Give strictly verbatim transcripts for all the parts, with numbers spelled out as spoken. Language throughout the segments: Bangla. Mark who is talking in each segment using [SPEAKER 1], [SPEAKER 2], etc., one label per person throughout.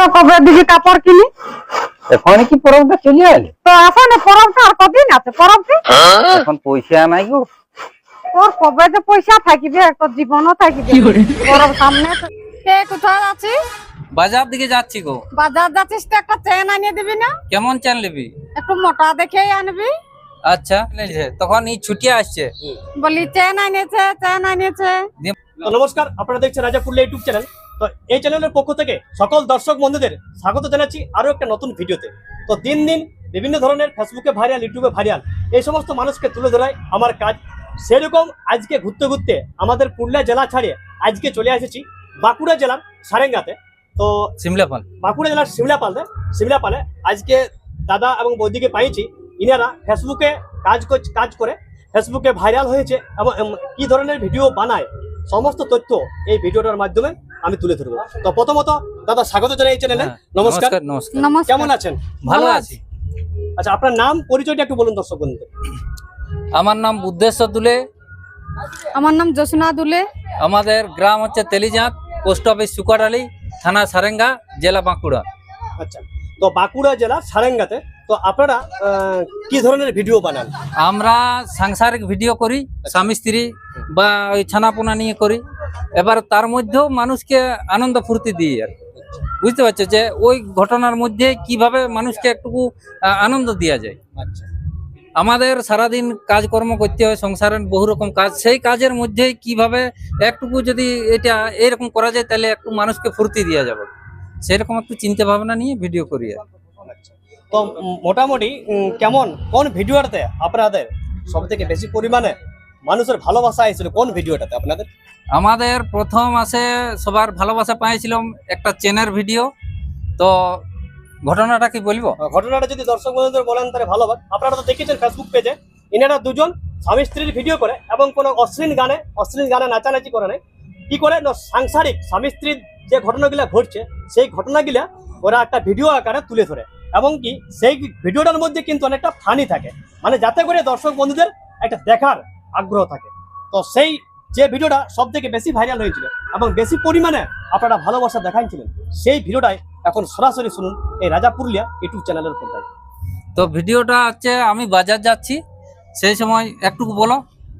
[SPEAKER 1] আরো কবে দিবি কাপড় কিনি?
[SPEAKER 2] এখন কি পরবটা চলে এলে?
[SPEAKER 1] তো এখন পরবটা আর কদিন আছে পরবটি?
[SPEAKER 2] এখন পয়সা নাই গো।
[SPEAKER 1] তোর কবে যে পয়সা থাকিবে, তোর জীবনও থাকিবে। পরব সামনে। কে কোথায় আছিস?
[SPEAKER 3] বাজার দিকে যাচ্ছি গো।
[SPEAKER 1] বাজার যাচ্ছিস তো একটা চেন আনিয়ে দিবি না?
[SPEAKER 3] কেমন চেন নিবি?
[SPEAKER 1] একটু মোটা দেখেই আনবি।
[SPEAKER 3] আচ্ছা তখন এই ছুটি আসছে
[SPEAKER 1] বলি চেন আনিয়েছে চেন আনিয়েছে।
[SPEAKER 4] তো নমস্কার, আপনারা দেখছেন রাজা পুরুলিয়া ইউটিউব চ্যানেল। তো এই চ্যানেলের পক্ষ থেকে সকল দর্শক বন্ধুদের স্বাগত জানাচ্ছি আরো একটা নতুন ভিডিওতে। তো দিন দিন বিভিন্ন ধরনের ফেসবুকে ভাইরাল, ইউটিউবে ভাইরাল এই সমস্ত মানুষকে তুলে ধরাই আমার কাজ। সেরকম আজকে ঘুরতে ঘুরতে আমাদের পুরুলিয়া জেলা ছাড়িয়ে আজকে চলে এসেছি বাঁকুড়া জেলার সারেঙ্গাতে। তো
[SPEAKER 3] সিমলাপাল,
[SPEAKER 4] বাঁকুড়া জেলার শিমলাপালে শিমলাপালে আজকে দাদা এবং বৌদিকে পাইছি। ইনারা ফেসবুকে কাজ কাজ করে ফেসবুকে ভাইরাল হয়েছে এবং কি ধরনের ভিডিও বানায় সমস্ত তথ্য এই ভিডিওটার মাধ্যমে আমি তুলে ধরবো। তো প্রথমত দাদা স্বাগত জানাই এই চ্যানেলে। নমস্কার।
[SPEAKER 3] নমস্কার।
[SPEAKER 4] কেমন আছেন?
[SPEAKER 3] ভালো আছি।
[SPEAKER 4] আচ্ছা, আপনার নাম পরিচয়টা একটু বলুন দর্শক বন্ধুদের।
[SPEAKER 3] আমার নাম বুদ্ধেশ্বর দুলে।
[SPEAKER 1] আমার নাম জোসনা দুলে।
[SPEAKER 3] আমাদের গ্রাম হচ্ছে তেলিজাঁত, পোস্ট অফিস সুকাটালি, থানা সারেঙ্গা, জেলা বাঁকুড়া।
[SPEAKER 4] আচ্ছা, তো বাঁকুড়া জেলার সারেঙ্গাতে তো আপনারা কি ধরনের ভিডিও বানান?
[SPEAKER 3] আমরা সাংসারিক ভিডিও করি, স্বামী স্ত্রী বা ওই ছানাপোনা নিয়ে করি। এবার তার মধ্যেও মানুষকে আনন্দ ফুর্তি দিই আর বুঝতে পারছো যে ওই ঘটনার মধ্যে কিভাবে মানুষকে একটুকু আনন্দ দেওয়া যায়।
[SPEAKER 4] আচ্ছা,
[SPEAKER 3] আমাদের সারাদিন কাজকর্ম করতে হয়, সংসারের বহু রকম কাজ, সেই কাজের মধ্যে কিভাবে একটুকু যদি এটা এরকম করা যায় তাহলে একটু মানুষকে ফুর্তি দেওয়া যাবে, সেরকম একটু চিন্তা ভাবনা নিয়ে ভিডিও করি।
[SPEAKER 4] তো মোটামুটি কেমন কোন ভিডিওটাতে আপনাদের সব থেকে বেশি পরিমাণে মানুষের ভালোবাসা এসেছিল? কোন ভিডিওটাতে আপনাদের?
[SPEAKER 3] আমাদের প্রথম আসে সবার ভালোবাসা পাইছিলাম একটা চেনের ভিডিও। তো ঘটনাটা কি বলবো?
[SPEAKER 4] ঘটনাটা যদি দর্শক বন্ধুদের বলেন তাহলে ভালো হবে। আপনারা তো দেখেছেন ফেসবুক পেজে ইনারা দুজন স্বামী স্ত্রীর ভিডিও করে এবং কোনো অশ্লীল গানে অশ্লীল গানে নাচানাচি করে নাই। কি করে না, সাংসারিক স্বামী স্ত্রীর যে ঘটনাগুলো ঘটছে সেই ঘটনাগুলা ওরা একটা ভিডিও আকারে তুলে ধরে এবং কি সেই ভিডিওটার মধ্যে কিন্তু অনেকটা ফানি থাকে, মানে যাতে করে দর্শক বন্ধুদের একটা দেখার আগ্রহ থাকে। তো সেই যে ভিডিওটা সব থেকে বেশি ভাইরাল হয়েছিল এবং বেশি পরিমাণে আপনারা ভালোবাসা দেখাইছিলেন, সেই ভিডিওটাই এখন সরাসরি শুনুন এই রাজা পুরুলিয়া ইউটিউব চ্যানেলের পর্দায়।
[SPEAKER 3] তো ভিডিওটা হচ্ছে আমি বাজার যাচ্ছি, সেই সময় একটু বলো।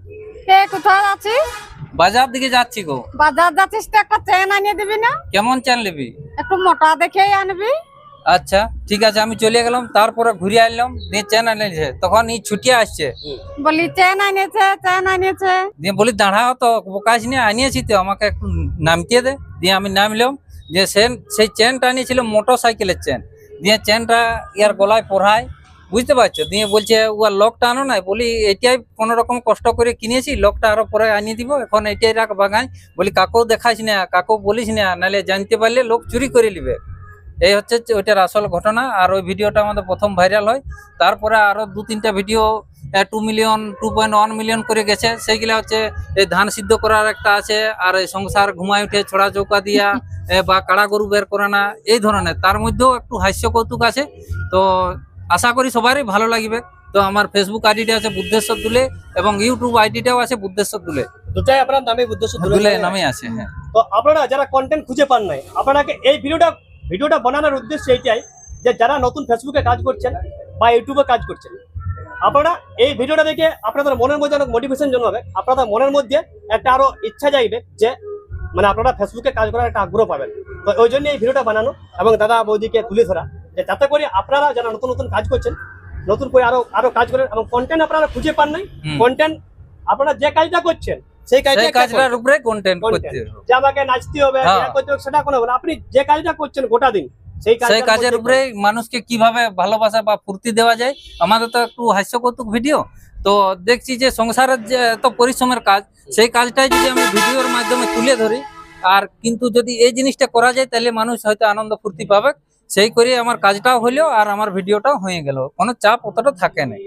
[SPEAKER 1] কে কোথায় আছিস?
[SPEAKER 3] বাজার দিকে যাচ্ছি গো।
[SPEAKER 1] বাজার যাচ্ছিস তো একটা চেন আনিয়ে দিবি না?
[SPEAKER 3] কেমন চেন নিবি?
[SPEAKER 1] একটু মোটা দেখেই আনবি।
[SPEAKER 3] আচ্ছা ঠিক আছে, আমি চলে গেলাম, তারপরে ঘুরে আসলাম, দিয়ে চেন আনিয়েছে, তখন এই ছুটি আসছে।
[SPEAKER 1] বলি চেন আনিয়েছে চেন আনিয়েছে।
[SPEAKER 3] দিয়ে বলি দাঁড়াও তো, বোকাশ নিয়ে আনিয়েছি তো, আমাকে একটু নামতে দে। দিয়ে আমি নামলাম, যে সেন সেই চেনটা আনিয়েছিল মোটর সাইকেলের চেন। দিয়ে চেনটা ইয়ার গলায় পড়ায়, বুঝতে পারছো। দিয়ে বলছে ওর লকটা আনো না। বলি এটাই কোনো রকম কষ্ট করে কিনেছি, লকটা আরো পরে আনিয়ে দিব, এখন এটাই রাখ বাগাই। বলি কাকেও দেখাইস না, কাকেও বলিস না, নাহলে জানতে পারলে লোক চুরি করে নিবে। এই হচ্ছে ওইটার আসল ঘটনা। আর ওই ভিডিওটা আমাদের প্রথম ভাইরাল হয়, তারপরে আরো দু তিনটা video two million two point one million করে গেছে। সেইগুলা হচ্ছে এই ধান সিদ্ধ করার একটা আছে, আর এই সংসার ঘুমায় উঠে ছড়া চৌকা দিয়া বা কাড়া গরু বের করে না, এই ধরনের। তার মধ্যেও একটু হাস্য কৌতুক আছে। তো আশা করি সবারই ভালো লাগবে। তো আমার ফেসবুক আইডিটা আছে বুদ্ধেশ্বর দুলে এবং ইউটিউব আইডিটাও আছে বুদ্ধেশ্বর দুলে,
[SPEAKER 4] দুটাই আপনার নামে বুদ্ধেশ্বর
[SPEAKER 3] দুলে নামে আছে। হ্যাঁ,
[SPEAKER 4] তো আপনারা যারা কন্টেন্ট খুঁজে পান নাই, আপনাকে এই ভিডিওটা ভিডিওটা বানানোর উদ্দেশ্য এইটাই যে যারা নতুন ফেসবুকে কাজ করছেন বা ইউটিউবে কাজ করছেন, আপনারা এই ভিডিওটা দেখে আপনাদের মনের মধ্যে অনেক মোটিভেশন জন্মাবে, আপনাদের মনের মধ্যে একটা আরো ইচ্ছা যাইবে যে মানে আপনারা ফেসবুকে কাজ করার একটা আগ্রহ পাবেন। তো ওই জন্য এই ভিডিওটা বানানো এবং দাদা বৌদিকে তুলে ধরা, যে যাতে করে আপনারা যারা নতুন নতুন কাজ করছেন নতুন করে আরো আরো কাজ করেন এবং কন্টেন্ট আপনারা খুঁজে পান নাই, কন্টেন্ট আপনারা যে কাজটা করছেন সেই
[SPEAKER 3] কাজটার উপরে কন্টেন্ট করতে হবে,
[SPEAKER 4] যে আমাকে নাচতে হবে করতে হবে সেটা কোনো না, আপনি যে কাজটা করছেন গোটা দিন সেই
[SPEAKER 3] কাজের উপরে মানুষকে কিভাবে ভালোবাসা বা ফুর্তি দেওয়া যায়। আমাদের তো একটু হাস্য কৌতুক ভিডিও, তো দেখছি যে সংসারের যে এত পরিশ্রমের কাজ, সেই কাজটাই যদি আমি ভিডিওর মাধ্যমে তুলে ধরি, আর কিন্তু যদি এই জিনিসটা করা যায় তাহলে মানুষ হয়তো আনন্দ ফুর্তি পাবে। সেই করে আমার কাজটাও হইলো আর আমার ভিডিওটাও হয়ে গেল, কোনো চাপ অতটা থাকে না।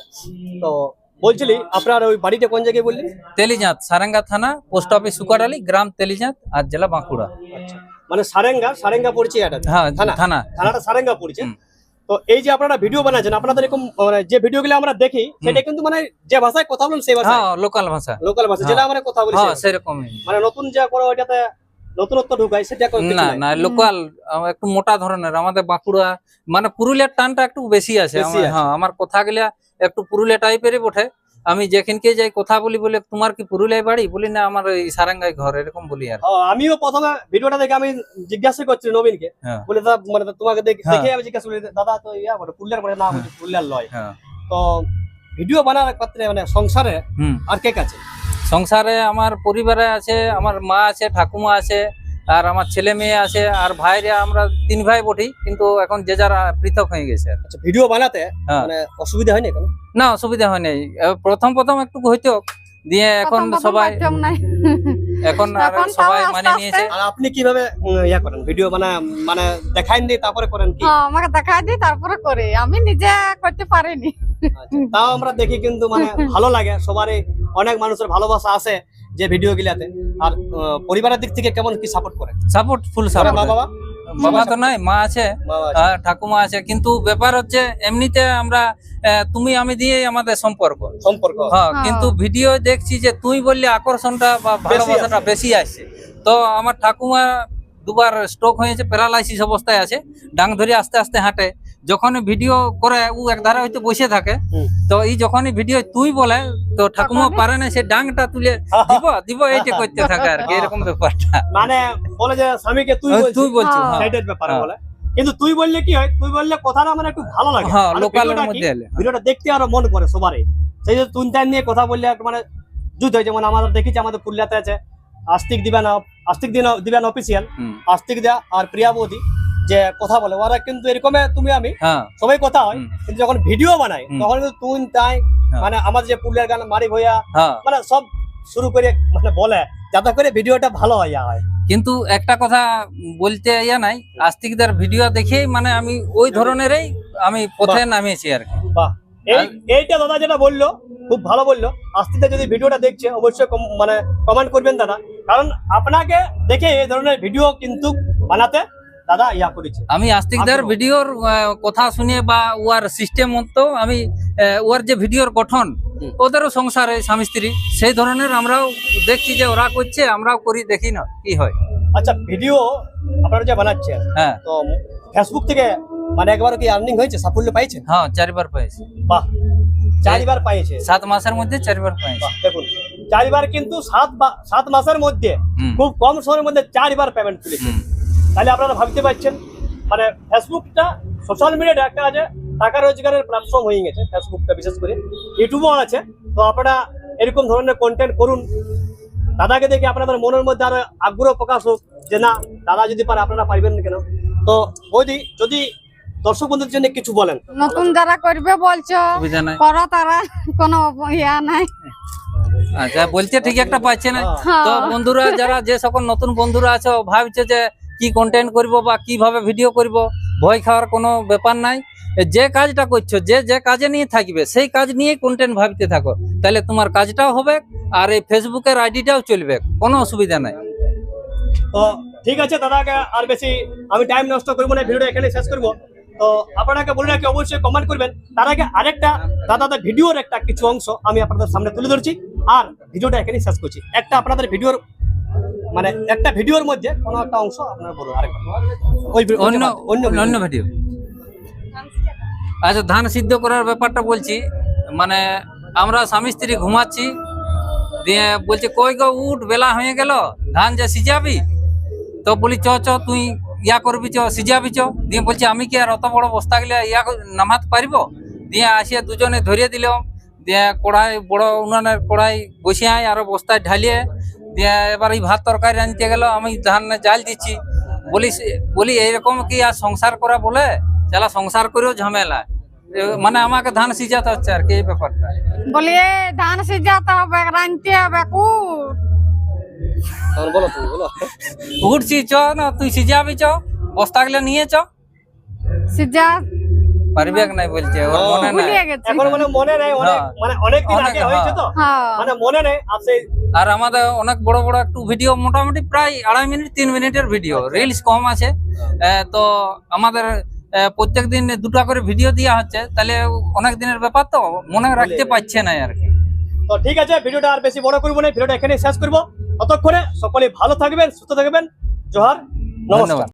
[SPEAKER 4] তো বলছিলি আপনার ওই বাড়িটা কোন জায়গায় বললেন?
[SPEAKER 3] তেলিজাঁত, সারেঙ্গা থানা, পোস্ট অফিস সুকাটালি, গ্রাম তেলিজাঁত আর জেলা বাঁকুড়া।
[SPEAKER 4] আচ্ছা, মানে সারেঙ্গা সারেঙ্গা পড়ছে এটা?
[SPEAKER 3] হ্যাঁ, থানা
[SPEAKER 4] থানাটা সারেঙ্গা পড়ছে। তো এই যে আপনারা ভিডিও বানাচ্ছেন, আপনাদের এরকম যে ভিডিওগুলো আমরা দেখি সেটা কিন্তু মানে যে ভাষায় কথা বলেন সেই ভাষা,
[SPEAKER 3] লোকাল ভাষা,
[SPEAKER 4] লোকাল ভাষা যেটা আমরা কথা বলি
[SPEAKER 3] সেরকম।
[SPEAKER 4] মানে নতুন যা করো ওইটাতে নতুনত্ব ঢুকায় সেটা কোনো কিছু
[SPEAKER 3] না
[SPEAKER 4] নাই।
[SPEAKER 3] না লোকাল একটু মোটা ধরনের আমাদের বাঁকুড়া মানে পুরুলিয়ার টানটা একটু বেশি আছে
[SPEAKER 4] বেশি
[SPEAKER 3] আমার-
[SPEAKER 4] আছে।
[SPEAKER 3] হ্যাঁ আমার কথা গুলা একটু পুরুলিয়া টাইপেরই বটে। আমি যেখানকে যাই কথা বলি বলে তোমার কি পুরুলিয়ায় বাড়ি বলি না আমার এই সারাঙ্গাই ঘর এরকম বলি আর কি।
[SPEAKER 4] হ্যাঁ, আমিও প্রথমে ভিডিওটা দেখে আমি জিজ্ঞাসা করছি নবীনকে,
[SPEAKER 3] হ্যাঁ
[SPEAKER 4] বলে দাদা মানে তোমাকে দেখে
[SPEAKER 3] হ্যাঁ।
[SPEAKER 4] দেখে আমি জিজ্ঞাসা করি দাদা তো ইয়া বলে পুরুলিয়ার বলে না বলছে পুরুলিয়ার লয়।
[SPEAKER 3] হ্যাঁ
[SPEAKER 4] তো ভিডিও বানানোর ক্ষেত্রে মানে সংসারে
[SPEAKER 3] হুম
[SPEAKER 4] আর কে কাছে?
[SPEAKER 3] সংসারে আমার পরিবারে আছে আমার মা আছে ঠাকুমা আছে আর আমার ছেলে মেয়ে আছে আর ভাইরা আমরা তিন ভাই বটি কিন্তু এখন যে যারা পৃথক হয়ে গেছে আর কি।
[SPEAKER 4] আচ্ছা, ভিডিও বানাতে
[SPEAKER 3] হ্যাঁ।
[SPEAKER 4] মানে অসুবিধা হয়নি কোনো?
[SPEAKER 3] না অসুবিধা হয় নাই এ, প্রথম প্রথম একটু হইতো দিয়ে এখন
[SPEAKER 1] প্রথম প্রথম
[SPEAKER 3] সবাই
[SPEAKER 1] মাধ্যম নাই।
[SPEAKER 3] এখন আর
[SPEAKER 1] এখন তাও
[SPEAKER 3] সবাই
[SPEAKER 1] আস্তে
[SPEAKER 3] মানে
[SPEAKER 1] আস্তে-
[SPEAKER 3] নিয়েছে।
[SPEAKER 4] আর আপনি কিভাবে উম, ইয়া করেন ভিডিও বানা মানে দেখাইন দিয়ে তারপরে করেন কি?
[SPEAKER 1] হ্যাঁ, আমাকে দেখাই দিই তারপরে করে, আমি নিজে করতে পারিনি।
[SPEAKER 4] আচ্ছা, তাও আমরা দেখি কিন্তু মানে ভালো লাগে, সবারই অনেক মানুষের ভালোবাসা আছে যে ভিডিও গুলাতে। আর আহ, পরিবারের দিক থেকে কেমন কি সাপোর্ট করে?
[SPEAKER 3] সাপোর্ট ফুল
[SPEAKER 4] মা
[SPEAKER 3] সাপোর্ট
[SPEAKER 4] বাবা
[SPEAKER 3] বাবা তো নাই মা আছে
[SPEAKER 4] মা বাবা আছে।
[SPEAKER 3] আর ঠাকুমা আছে কিন্তু ব্যাপার হচ্ছে এমনিতে আমরা আহ, তুমি আমি দিয়ে আমাদের সম্পর্ক
[SPEAKER 4] সম্পর্ক
[SPEAKER 3] হ্যাঁ
[SPEAKER 1] হ্যাঁ।
[SPEAKER 3] কিন্তু ভিডিও দেখছি যে তুই বললে আকর্ষণটা বা ভালোবাসাটা বেশি আসছে। তো আমার ঠাকুমা দুবার স্ট্রোক হয়েছে প্যারালাইসিস অবস্থায় আছে ডাং ধরে আস্তে আস্তে হাঁটে যখন ভিডিও করে ও একধারে হয়তো বসে থাকে
[SPEAKER 4] হুম।
[SPEAKER 3] তো এই যখনই ভিডিও তুই বলে তো ঠাকুমা
[SPEAKER 1] তখনই-
[SPEAKER 3] পারে না সে ডাংটা তুলে দিব দিব এইটা করতে থাকে আর কি এরকম ব্যাপারটা
[SPEAKER 4] মানে বলে যে স্বামীকে তুই
[SPEAKER 3] ওই
[SPEAKER 4] বলছিস
[SPEAKER 3] তুই বলছিস
[SPEAKER 1] হ্যাঁ।
[SPEAKER 3] হ্যাঁ।
[SPEAKER 4] সাইডের ব্যাপারে
[SPEAKER 3] হ্যাঁ।
[SPEAKER 4] বলে, কিন্তু তুই বললে কি হয়, তুই বললে কথাটা মানে একটু ভালো লাগে।
[SPEAKER 3] হ্যাঁ
[SPEAKER 4] মানে
[SPEAKER 3] লোকালের
[SPEAKER 4] ভিডিওটা কি,
[SPEAKER 3] মধ্যে এলে
[SPEAKER 4] ভিডিওটা দেখতে আরো মন করে সবারই। সেই যে তুন টাইম নিয়ে কথা বললে একটু মানে যুদ্ধ হয়। যেমন আমাদের দেখেছি আমাদের পুরুলিয়াতে আছে আস্তিক দিবান আস্তিক দিন দিবান অফিসিয়াল,
[SPEAKER 3] হুম,
[SPEAKER 4] আস্তিক দা আর প্রিয়া বৌদি যে কথা বলে, ওরা কিন্তু এরকমে তুমি আমি
[SPEAKER 3] হ্যাঁ
[SPEAKER 4] সবাই কথা হয়,
[SPEAKER 3] হুম।
[SPEAKER 4] কিন্তু যখন ভিডিও বানাই
[SPEAKER 3] হুম।
[SPEAKER 4] তখন কিন্তু তুই তাই
[SPEAKER 3] হ্যাঁ।
[SPEAKER 4] মানে আমাদের যে পুরুলিয়ার গান মারি ভইয়া
[SPEAKER 3] হ্যাঁ
[SPEAKER 4] মানে সব শুরু করে মানে বলে যাতে করে ভিডিওটা ভালো হয় ইয়া হয়।
[SPEAKER 3] কিন্তু একটা কথা বলতে ইয়া নাই আস্তিকদার ভিডিও দেখেই মানে আমি ওই ধরনেরই আমি পথে নামিয়েছি আর কি
[SPEAKER 4] বাহ, এই এইটা দাদা যেটা বললো খুব ভালো বললো। আস্তিতে যদি ভিডিওটা দেখছে অবশ্যই কম- মানে কমেন্ট করবেন দাদা, কারণ আপনাকে দেখে এই ধরনের ভিডিও কিন্তু বানাতে দাদা ইয়া করেছে।
[SPEAKER 3] আমি আস্তিকদার
[SPEAKER 4] আগ্রহ।
[SPEAKER 3] ভিডিওর আহ, কথা শুনে বা ওয়ার সিস্টেম মতো আমি আহ, ওর যে ভিডিওর গঠন
[SPEAKER 4] হুম।
[SPEAKER 3] ওদেরও সংসারে স্বামী স্ত্রী সেই ধরনের আমরাও দেখছি যে ওরা করছে আমরাও করি দেখি না কি হয়।
[SPEAKER 4] আচ্ছা, ভিডিও আপনারা যে বানাচ্ছেন
[SPEAKER 3] হ্যাঁ
[SPEAKER 4] তো ফেসবুক থেকে মানে একবার কি আর্নিং হয়েছে, সাফল্য পাইছেন?
[SPEAKER 3] হ্যাঁ চারবার পাইছি
[SPEAKER 4] বাহ, চারবার পাইছে।
[SPEAKER 3] সাত মাসের মধ্যে চারবার পাইছি।
[SPEAKER 4] বাহ, দেখুন চারবার কিন্তু সাত বা- সাত মাসের মধ্যে
[SPEAKER 3] হুম,
[SPEAKER 4] খুব কম সময়ের মধ্যে চারবার পেমেন্ট তুলেছে।
[SPEAKER 3] হুম,
[SPEAKER 4] তাহলে আপনারা ভাবতে পারছেন মানে ফেসবুকটা সোশ্যাল মিডিয়াটা একটা আছে টাকা রোজগারের প্ল্যাটফর্ম হয়ে গেছে ফেসবুকটা, বিশেষ করে ইউটিউবও আছে। তো আপনারা এরকম ধরনের কন্টেন্ট করুন, দাদাকে দেখে আপনাদের মনের মধ্যে আরো আগ্রহ প্রকাশ হোক যে না দাদা যদি পারে আপনারা পারবেন না কেন। তো বৌদি যদি দর্শক বন্ধুদের জন্য কিছু বলেন।
[SPEAKER 1] নতুন যারা করবে বলছো
[SPEAKER 3] সুবিধা নাই।
[SPEAKER 1] করো, তারা কোনো ইয়া নাই।
[SPEAKER 3] আচ্ছা বলছে ঠিক একটা পাচ্ছে না
[SPEAKER 1] হ্যাঁ।
[SPEAKER 3] তো বন্ধুরা যারা যে সকল নতুন বন্ধুরা আছে ভাবছে যে কি কন্টেন্ট করব বা কিভাবে ভিডিও করব, ভয় খাওয়ার কোনো ব্যাপার নাই। যে কাজটা করছো যে যে কাজে নিয়ে থাকবে সেই কাজ নিয়ে কন্টেন্ট ভাবতে থাকো, তাহলে তোমার কাজটাও হবে আর এই ফেসবুকের আইডিটাও চলবে, কোনো অসুবিধা নাই।
[SPEAKER 4] তো ঠিক আছে দাদাকে আর বেশি আমি টাইম নষ্ট করবো না, ভিডিওটা এখানে শেষ করবো। তো আপনাকে বলে রাখি অবশ্যই কমেন্ট করবেন। তার আগে আরেকটা দাদাদের ভিডিওর একটা কিছু অংশ আমি আপনাদের সামনে তুলে ধরছি আর ভিডিওটা এখানে শেষ করছি। একটা আপনাদের ভিডিওর মানে একটা ভিডিওর মধ্যে কোনো একটা অংশ আপনারা বলুন আরেকটা ওই ভি-
[SPEAKER 3] অন্য
[SPEAKER 4] অন্য
[SPEAKER 3] অন্য
[SPEAKER 4] অন্য
[SPEAKER 3] ভিডিও আচ্ছা ধান সিদ্ধ করার ব্যাপারটা বলছি। মানে আমরা স্বামী স্ত্রী ঘুমাচ্ছি দিয়ে বলছে কই গো উঠ বেলা হয়ে গেল ধান যে সিজাবি, তো বলি চ চ তুই ইয়া করবি চ সিজাবি চ, দিয়ে বলছে আমি কি আর অত বড় বস্তা গেলে ইয়া ক- নামাতে পারিব, দিয়ে আসিয়া দুজনে ধরিয়ে দিল, দিয়ে কড়াই বড় উনানের কড়াই বসিয়ে আরো বস্তায় ঢালিয়ে দিয়ে এবার এই ভাত তরকারি আনতে গেল, আমি ধান জাল দিচ্ছি। বলি সে- বলি এইরকম কি আর সংসার করা বলে, চালা সংসার করেও ঝামেলা, এ মানে আমাকে ধান সিজাতে হচ্ছে আর কি এই ব্যাপারটা।
[SPEAKER 1] বলি এ ধান সিজাতে হবে, রাঁধতে হবে, কুট।
[SPEAKER 4] তখন বলো তুমি বলো।
[SPEAKER 3] উঠছি চ না তুই সিজাবি চ, বস্তা গুলো নিয়ে চ,
[SPEAKER 1] সিজা
[SPEAKER 3] পারবি এক নাই বলছে ওর
[SPEAKER 4] ও,
[SPEAKER 3] মনে নাই।
[SPEAKER 1] ভুলিয়ে গেছি।
[SPEAKER 4] এখন মানে মনে নেই, অনেক
[SPEAKER 3] হ্যাঁ।
[SPEAKER 4] মানে অনেক দিন
[SPEAKER 3] অনেক,
[SPEAKER 4] আগে হয়েছে তো
[SPEAKER 1] হ্যাঁ,
[SPEAKER 4] মানে মনে নেই। আর সেই
[SPEAKER 3] আর আমাদের অনেক বড় বড় একটু ভিডিও মোটামুটি প্রায় আড়াই মিনিট তিন মিনিটের ভিডিও, রিলস কম আছে। আহ, তো আমাদের প্রত্যেক দিন দুটা করে ভিডিও দেওয়া হচ্ছে, তাহলে অনেক দিনের ব্যাপার তো মনে রাখতে পারছে না আর কি।
[SPEAKER 4] তো ঠিক আছে, ভিডিওটা আর বেশি বড় করবো না, ভিডিওটা এখানে শেষ করবো। ততক্ষণে সকলে ভালো থাকবেন, সুস্থ থাকবেন, জোহার, নমস্কার।
[SPEAKER 3] ধন্যবাদ।